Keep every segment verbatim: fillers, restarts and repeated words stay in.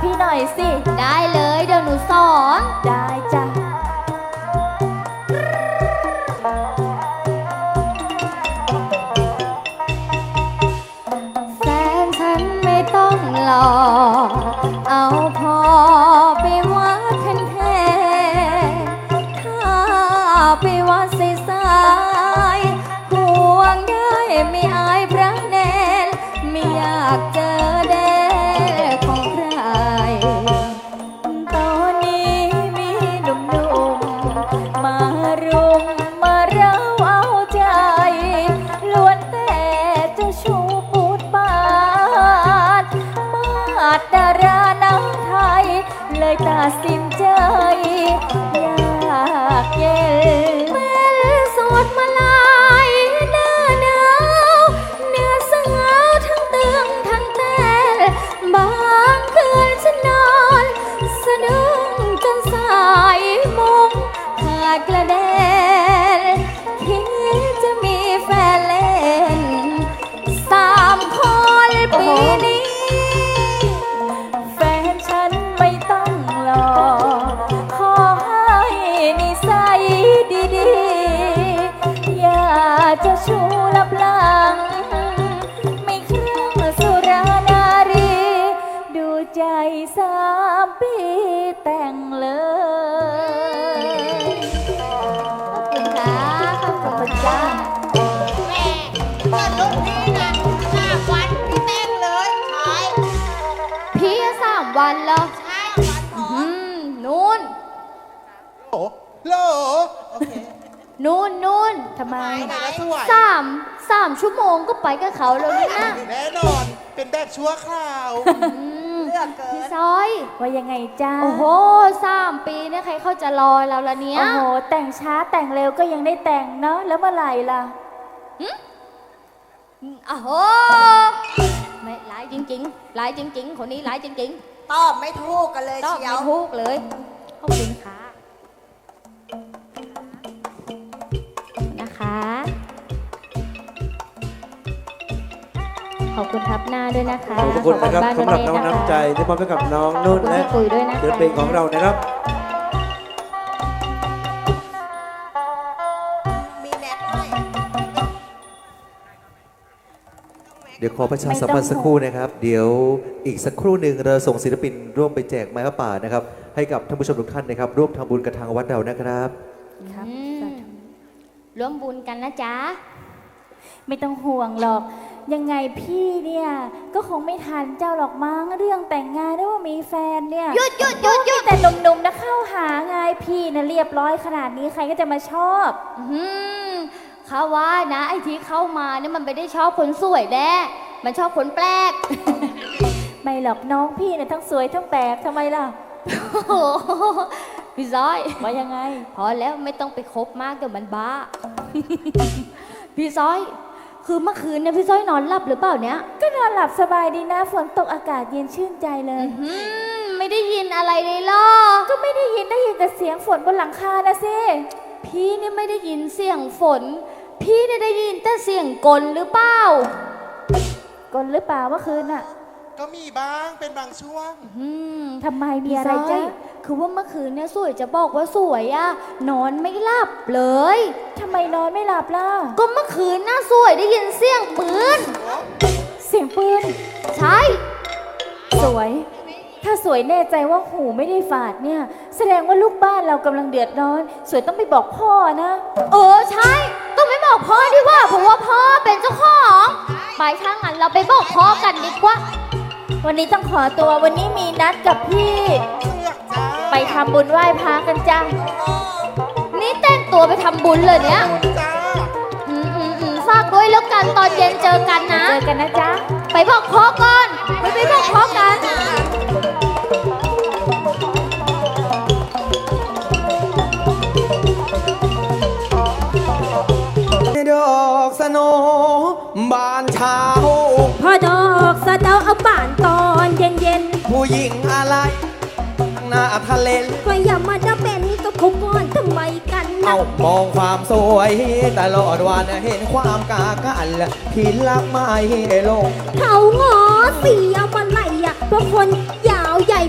พี่หน่อยสิได้เลยเดี๋ยวหนูสอนได้จ้ะแฟนฉันไม่ต้องหล่อเอาพอไปวัดแทนแทนถ้าไปวัดใสายๆห่วงได้ไม่อายพระแนนไม่อยากเจอแดดของใครตอนนี้มีหนุ่มๆมารุมมาเร้าเอาใจล้วนแต่เจ้าชู้ปูดปาดมาดดาราน้ำไทยเลยตัดสินใจอยากเย็นเป็นสวดมาลายหน้าหนาวเนื้อสาวทั้งเตืองทั้งแต่บางคืนฉันนอนสะดุ้งจนสายมุงขาดกระเด็นคิดจะมีแฟนเล่นสามคนปีนี้แฟนฉันไม่ต้องหล่อขอให้นิสัยดีๆอย่าจะชูลับหลังไม่เครื่องสุรานารีดูใจสามปีแต่งเลยขอบคุณค่ะขอบคุณค่ะแม่เกิดรุ่นพี่นะห้าวันพี่เต้นเลยขายพี่สามวันแล้วใช่วันพออืมนู่นโหโลโอเคนู่นนู่นทำไมทำไมก็สวยสามสามชั่วโมงก็ไปกับเขาแล้วนี่นะแน่นอน เป็นแบบชั่วคราวอืมเลือกเกิพี่นซอยว่ายังไงจ้าโอ้โหสามปีเนี่ยใครเขาจะรอเราละเนี่ยโอ้โหแต่งช้าแต่งเร็วก็ยังได้แต่งเนาะแล้วเมื่อไหร่ล่ะโอ้โหไม่ร้ายจริงๆร้ายจริง ๆ คนนี้ร้ายจริงตอบไม่ถูกกันเลยๆตอบเชียไม่วถูกเลยขอบคุณค่ะนะคะขอบคุณทับหน้าด้วยนะคะขอบคุณนะครับบ้านสำหรับน้องเะคะน้ำใจที่มอบให้กับน้องนุ่นขอบคุณและพี่ปุ๋ยด้วยนะคะเดือนเพลงของเรานะครับมีแน็กด้วยเดี๋ยวขอประชาสัมพันธ์สักครู่นะครับ เดี๋ยวอีกสักครู่หนึ่งเราส่งศิลปินร่วมไปแจกไม้ผ้าป่านะครับ ให้กับท่านผู้ชมทุกท่านนะครับ ร่วมทำบุญกับทางวัดเรานะครับครับอืมร่วมบุญกันนะจ๊ะไม่ต้องห่วงหรอก ยังไงพี่เนี่ยก็คงไม่ทันเจ้าหรอกมั้งเรื่องแต่งงานหรือว่ามีแฟนเนี่ยหยุดหยุดหยุดหยุดแต่หนุ่มๆนะเข้าหาไงพี่นะเรียบร้อยขนาดนี้ใครก็จะมาชอบอืมเขาว่านะไอ้ที่เข้ามาเนี่ยมันไม่ได้ชอบคนสวยแน่มันชอบคนแปลกไม่หรอกน้องพี่เนี่ยทั้งสวยทั้งแปลกทำไมล่ะโอ้โหพี่ซ้อยว่ายังไงพอแล้วไม่ต้องไปคบมากเดี๋ยวมันบ้า พี่ซ้อย คือเมื่อคืนเนี่ยพี่ซ้อยนอนหลับหรือเปล่าเนี่ยก็นอนหลับสบายดีนะฝนตกอากาศเย็นชื่นใจเลยอืมไม่ได้ยินอะไรเลยเหรอก็ไม่ได้ยินได้ยินแต่เสียงฝนบนหลังคานะสิพี่เนี่ยไม่ได้ยินเสียงฝน พี่เนี่ยได้ยินแต่เสียงกลหรือเปล่ากลหรือเปล่าเมื่อคืนน่ะก็มีบ้าง เป็นบางช่วงอืมทำไมมีพี่อะไรซ้อยจ๊ะคือว่าเมื่อคืนเนี่ยสวยจะบอกว่าสวยอะนอนไม่หลับเลยทำไมนอนไม่หลับล่ะก็เมื่อคืนน่าสวยได้ยินเสียงปืนเสียงปืนใช่สวย ถ้าสวยแน่ใจว่าหูไม่ได้ฝาดเนี่ย แสดงว่าลูกบ้านเรากำลังเดือดร้อน สวยต้องไปบอกพ่อนะเออใช่ ต้องไม่บอกพ่อดีกว่าเพราะว่าพ่อเป็นเจ้าของไปช่างงั้นเราไปบอกพ่อกันดีกว่าวันนี้ต้องขอตัววันนี้มีนัดกับพี่เสือกจ้าไปทำบุญไหว้พระกันจ้านี่แต่งตัวไปทำบุญเลยเนี่ยคุณจ้าอืมอืมอืมฝากด้วยแล้วกันตอนเย็นเจอกันนะเจอกันนะจ๊ะไปบอกพ่อก่อนไปไปบอกพ่อกันดอกสโนบานเช้าพอดอกสะเดาเอาบ้านตอนเย็นเย็นผู้หญิงอะไรหน้าทะเลนก็อย่ามาดะเป็นกับเขาก่อนทำไมกันนะเอามองความสวยตลอดวันเห็นความกากันพี่รักไม่ลงเขางอเสียมาไหลอ่ะเพราะคนยาวใหญ่เป็น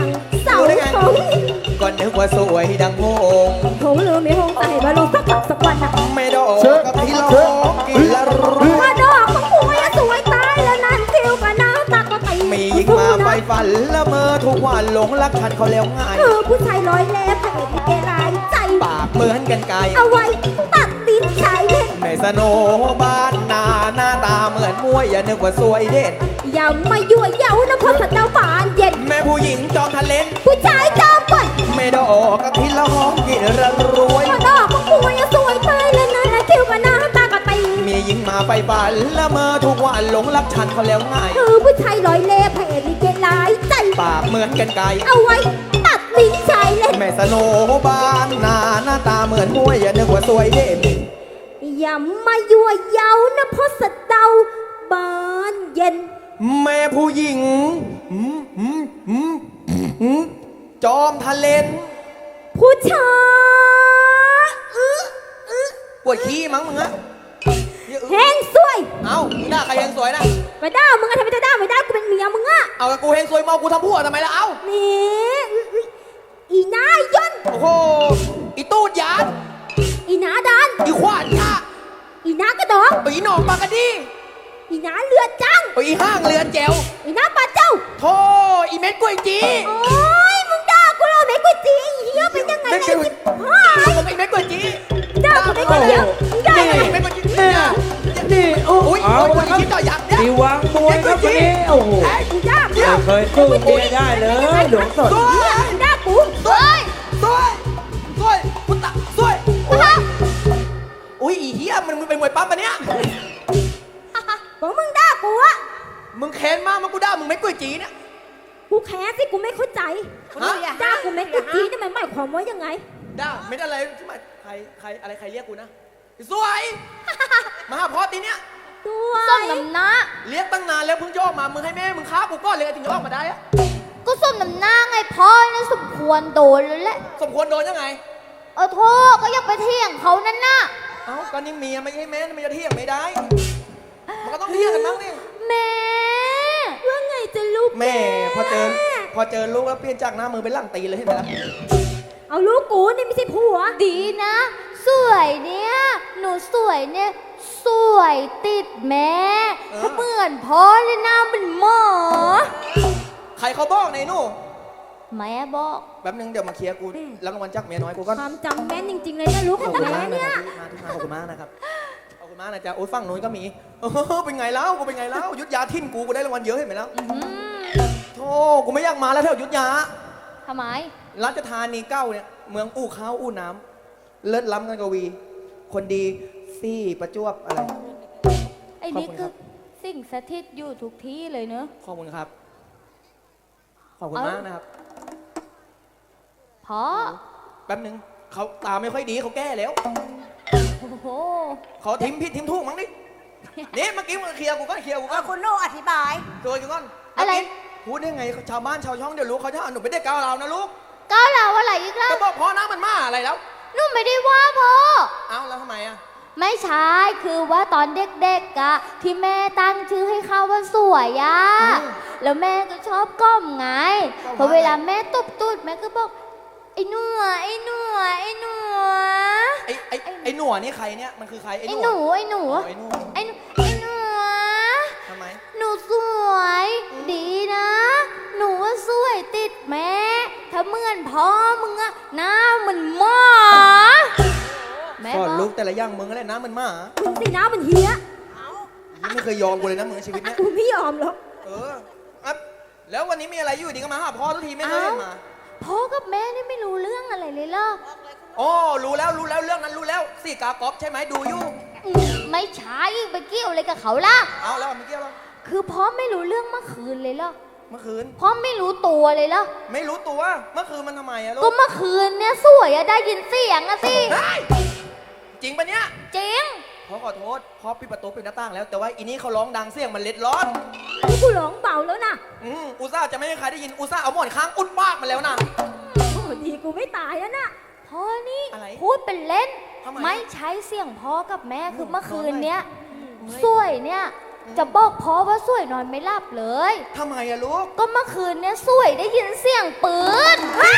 งเสารู้ได้ไงธงก็นึกว่าสวยดังโงงธงลืมไม่หงใส่บาลูสักกับสักวันนะไม่ดอกกับที่ร้องกินละรู้มาดอกของกูอะสวยตายแล้วนั่นคิวกับน้าตาก็ตีมีหญิงมาไฟฝันละเมอทุกวันหลงรักฉันเขาแล้วง่ายเออผู้ชายร้อยเล่พระเอกลิเกรายใจปากเหมือนกันไกลเอาไว้ตัดลิ้นชายเล่นในสโนบ้านนาหน้าตาเหมือนมวยอย่านึกว่าสวยเด่นอย่ามายั่วเย้านะเพราะสัตว์เจ้าบานเย็นแม่ผู้หญิงจอมทะเลนผู้ชายจอมบ่นไม่ดอกกับที่ร้องกินละรวยมาดอกของกูอะสวยตายแล้วนั่นนะคิวกับน้าตาก็ตีมีหญิงมาไฟฝันละเมอทุกวันหลงรักฉันเขาแล้วง่ายเออผู้ชายร้อยเล่พระเอกลิเกรายใจปากเหมือนกันไกลเอาไว้ตัดลิ้นชายเล่นแม่สโนบ้านนาหน้าตาเหมือนมวยอย่านึกว่าสวยเด่นอย่ามายั่วเย้านะเพราะสัตว์เจ้าบานเย็นแม่ผู้หญิงอืมอืมอืมอืมจอมทะเลนผู้ชายอื้ออื้อปวดขี้มั้งมึงอะอย่าอึแห้งสวยเอาหน้าใครเฮงสวยนะไม่ได้มึงอะทำไมจะได้ไม่ได้กูเป็นเมียมึงอะเอากับกูเฮงสวยเมากูทำพัวทำไมล่ะเอานี่อื้ออื้ออีนายยนต์โอ้โหอีตูดหยาดอีนาดานอีขวานยาอีนากระดองอีหนองปากกะดีอีนาเรือจังอีห้างเรือแจวอีนาปลาเจ้าโธ่อีเม็ดกล้วยจีโอ้ยมึงด่ากูเลยไม่กูจีไอ้เหี้ยเป็นยังไงเม็ดเนี่กยล้วยหายมึงอีเม็ดกล้วยจีด่ากูไม่กูเดียวมึงด่านี่กูอีไม่เม็ดกล้วยจีเนี่ย นี่โอ้อุ้ยเอาโอ้ยละครับคิดต่อยักษ์เนี่ยดีวางมวยครับวันนี้โอ้โหเฮ้ยกูด่ากูไม่เคยสู้เมียได้เลยหลวงสดสวยมึงด่ากูสวยสวยสวยพุตตะสวยโอ้ยอุ้ยอีเหี้ยมันมึงเป็นมวยปั๊มปะเนี่ยบอกมึงด่ากูอะมึงแค้นมากมันกูด่ามึงไม่กล้วยจีเนี่ยกูแค้นสิกูไม่เข้าใจฮะด่ากูไม่กูจีนี่มันหมายความว่ายังไงด่าไม่ได้อะไรที่มาใครใครอะไรใครเรียกกูนะสวย มาหาพ่อตีเนี่ยตัวส้มน้ำหน้าเรียกตั้งนานแล้วเพิ่งโยกมามึงให้แม่มึงค้ากูก้อนเลยถึงจะออกมาได้อะก็ส้มน้ำหน้าไงพ่อนะสมควรโดนเลยแหละสมควรโดนยังไงเออโทษก็อย่าไปเที่ยงเขานั่นน่ะเอ้าก็นี่เมียไม่ใช่แม่มันจะเที่ยงไม่ได้ มันก็ต้องเที่ยงกันบ้างดิแม่ว่าไงจะลูกแม่พอเจอพอเจอลูกแล้วเปลี่ยนจากหน้ามือเป็นหลังตีเลยเห็นไหมล่ะเอาลูกกูนี่ไม่ใช่ผัวดีนะ สวยเนี่ย หนูสวยเนี่ย สวยติดแม่ถ้าเหมือนพ่อเลยหน้าเป็นหมอใครเขาบอกในหนู่แม่บอกแป๊บนึงเดี๋ยวมาเคลียร์กูรับรางวัลจากเมียน้อยกูก่อนความจำแม่นจริงๆเลยนะลูกขขออบ งคุณแม่มากนะเนี่คยรับที่มาที่มาขอบคุณมากนะครับขอบคุณมากนะจ๊ะโอ้ยฝั่งนู้นก็มีเออเป็นไงแล้วกูเป็นไงแล้วยุทธยาทิ่นกูกูได้รางวัลเยอะเห็นไหมแล้วอื้อหือโธ่กูไม่อยากมาแล้วแถวยุทธยาทำไมราชธานีเก้าเนี่ยเมืองอู้ข้าวอู้น้ำเลิศล้ำกันกวี คนดีซี่ประจวบอะไรไอ้นี่ขอบคุณคคืรัอบ สิ่งสถิตอยู่ทุกที่เลยเนอะขอบคุณครับ ขอบคุณเอ้ามมากนะครับพ่อแป๊บนึงเขาตาไม่ค่อยดีเขาแก้แล้วโอ้โหเขาทิมผิดทิมถูกมั้งดินี่เมื่อกี้มึงเคลียร์กูก็เคลียร์กูก็คุณโนอธิบายตัวกูก่อนอะไรพูดได้ไงชาวบ้านชาวช่องเดี๋ยวรู้เขาจะเอาหนูไปได้ก้าวเราวนะลูกก้าวเราอะไรอีกล่ะจะบอกพ่อนะมันมาอะไรแล้วหนูไม่ได้ว่าพ่อเอ้าแล้วทำไมอ่ะไม่ใช่ คือว่าตอนเด็กๆอะที่แม่ตั้งชื่อให้เขาว่าสวยอะแล้วแม่ก็ชอบก้มไง พอเวลาแม่ตบตูดแม่ก็บอก ไอ้หนัวไอ้หนัวไอ้หนัวไอ้ไอ้ไอ้หนวดนี่ใครเนี่ยมันคือใครไอ้ไอ้หนหวนูดไอ้หนูอ๋อไอ้หนวดไอ้หนูไอ้หนัวทำไมหนูสวย ดีนะ หนูว่าสวยติดแม่ ถ้าเหมือนพ่อมึงอะหน้าเหมือนหมาแม่สอนบอกลูกแต่ละอย่างมึงอะไรนะมันหมามึงสิน้ามันเฮียยังไม่เคยยอมกูเลยนะมึงในชีวิตเนี้ยกูไม่ยอมหรอกเอออ่ะแล้ววันนี้มีอะไรอยู่ดีก็มาหาพ่อทุกทีไม่เคยเห็นมาพ่อกับแม่นี่ไม่รู้เรื่องอะไรเลยเหรออ๋อรู้แล้วรู้แล้วเรื่องนั้นรู้แล้วสี่กากอบใช่ไหมดูอยู่อืมไม่ใช่ไปเกี่ยวอะไรกับเขาล่ะเอาแล้วไม่เกี่ยวแล้วคือพ่อไม่รู้เรื่องเมื่อคืนเลยเหรอเมื่อคืนพ่อไม่รู้ตัวเลยเหรอไม่รู้ตัวเมื่อคืนมันทำไมอะลูก็กเมื่อคืนเนี่ยสวยอะได้ยินเสียงอะสิเฮ้ยจริงปะเนี่ยจริงพ่อขอโทษพ่อปิดประตูปิดหน้าต่างแล้วแต่ว่าอีนี้เขาร้องดังเสียงมันเล็ดร้อนกูร้องเบาแล้วนะอืมอุตส่าห์จะไม่ให้ใครได้ยินอุตส่าห์เอาหมอนค้างอุดปากมาแล้วนะโอ้ดีกูไม่ตายแล้วนะพ่อนี่อะไรพูดเป็นเล่นทำไมไม่ใช้เสียงพ่อกับแม่คือเมื่อคืนเนี้ยเฮ้ยสวยเนี่ยจะบอกพ่อว่าสวยนอนไม่หลับเลยทำไมอะลูกก็เมื่อคืนเนี่ยสวยได้ยินเสียงปืน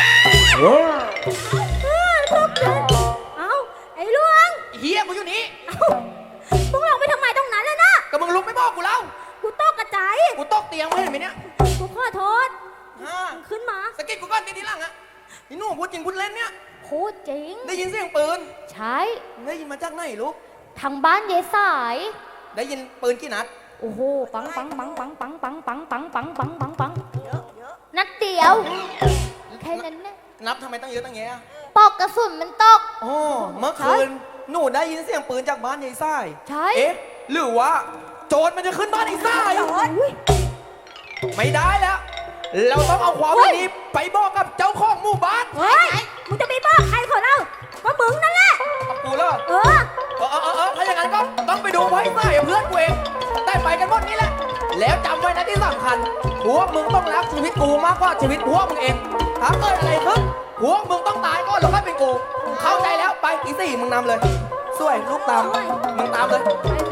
เอ้า ไอ้หลวงเฮียกูอยู่นี่มึงลงไปทำไมตรงนั้นแล้วนะก็มึงลุกไม่บอกกูแล้วกูตกกระจายกูตกเตียงไม่เห็นไหมเนี่ยกูขอโทษฮะขึ้นมาสะกิดกูก่อนทีทีหลังอะนี่หนูพูดจริงพูดเล่นเนี่ยพูดจริงได้ยินเสียงปืนใช่ได้ยินมาจากไหนลูกทางบ้านยายสายได้ยินปืนกี่นัดโอ้โห ปังปังปังปังปังปังปังปังปังปังปังปังนัดเดียว แค่นั้นนะนับทำไมตั้งเยอะตั้งแยะปอกกระสุนมันตกอ๋อเมื่อคืนหนูได้ยินเสียงปืนจากบ้านยายไส้ใช่เอ๊ะ หรือว่า โจรมันจะขึ้นบ้านยายไส้ไม่ได้แล้ว เราต้องเอาความวันนี้ไปบอกกับเจ้าของหมู่บ้านเฮ้ย มึงจะไปบอกใครขอเราว่ามึงนั่นแหละกับกูแล้วเออเออเออเออเออถ้าอย่างนั้นก็ต้องไปดูไว้ไส้เพื่อนกูเองได้ไปกันหมดนี่แหละ แล้วจำไว้นะที่สำคัญพวกมึงต้องรักชีวิตกูมากกว่าชีวิตพวกมึงเอง ถ้าเกิดอะไรขึ้นพวกมึงต้องตายก่อนแล้วค่อยเป็นกู เข้าใจแล้วไปอีสี่มึงนำเลย สวยลูกตาม มึงตามเลยไป